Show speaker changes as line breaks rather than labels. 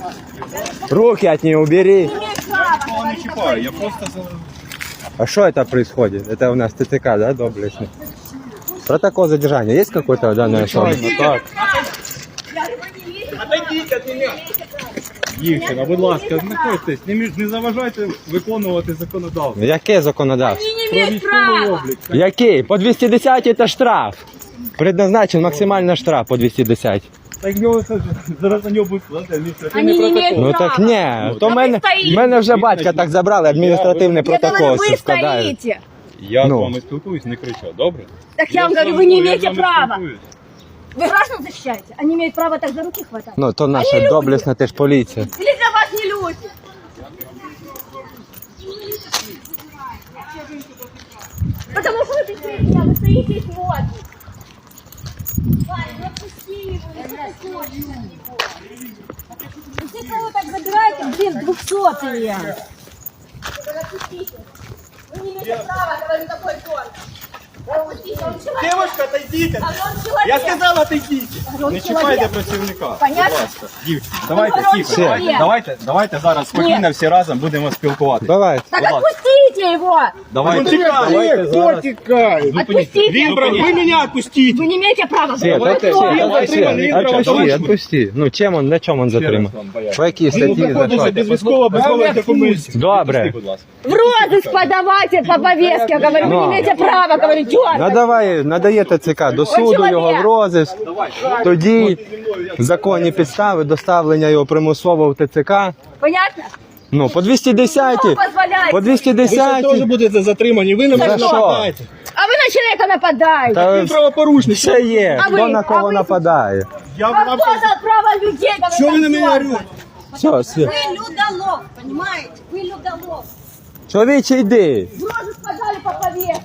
Руки от нее убери.
Нікого не чіпаю, я просто...
А что это происходит? Это у нас ТЦК, да, доблестный? Протокол задержания есть какой-то в данной особе?
Так. Дівчина, будь ласка, знаходьтесь, не заважайте виконувати законодавство.
Яке законодавство?
Про військовий облік.
Який? По 210 это штраф. Предназначен максимально штраф по 210.
Так його зараз на нього будуть складати адміністративний
Вони не
протокол.
Ну так ні, то мене вже батька так забрали, адміністративний
Я говорю,
протокол
вы
складають.
стоите.
Я
Ну.
з вами спілкуюсь, не кричав, добре?
Так я вам
з
говорю,
вами
вы не
спілкуюсь,
имеете
я з вами
права.
спілкуюсь.
Вы граждан защищаете. Они имеют право так за руки хватать.
Ну то
Они
наша
люди.
доблесна теж поліція.
Или для вас не люди? Потому что вы бесите меня, вы стоите и смотрите. Ваня, ну отпусти его, не подходи на него. Вы все кого так забираете, блин, 200-е. Отпустите. Вы не имеете права, говорю, такой тон. Отпустите, он человек.
Девушка, отойдите!
А он человек.
Я сказав, отойдіть!
Он
Не
человек.
чіпайте працівника.
Понятно?
Будь ласка, дівчина, давайте
Ну,
тихо,
все.
давайте зараз спокійно всі разом будемо спілкуватися.
Давай.
Так
Будь ласка.
отпустите его!
Давайте, давайте зараз.
Отпустите!
Вы меня отпустите!
Вы не имеете права.
Свет,
Вы
это,
кто?
Свет, давай,
затриманий,
Свет,
він
отпусти,
правочинний.
отпусти. Ну, чим он, на чому он затримав?
раз вам поясню.
По якій статті, за
Знаходиться
що?
без військово-облікових документів.
Добре.
Відпусти, будь ласка.
В розыск подавайте по повестке, говорю, вы
Ну.
не имеете права, говорю, дёргать.
Надавай, надає ТЦК до суду його в розиск. Тоді законні підстави доставлення його примусово в ТЦК.
Понятно?
Ну, по 210,
Кто позволяет?
по
Ви теж
210.
будете затримані, ви на
За
мене
що?
нападаєте.
А вы на человека нападаете.
Та
Ви правопорушник.
все є,
А
хто
ви?
на кого
А ви?
нападає.
Я
А
вам
кто дал право людей, говорю,
Що ви на
так
мене
дёргать?
орете?
Все, Свет.
Вы людолов, понимаете? Вы людолов.
Чоловіче, йди.
В розыск подали по повестке.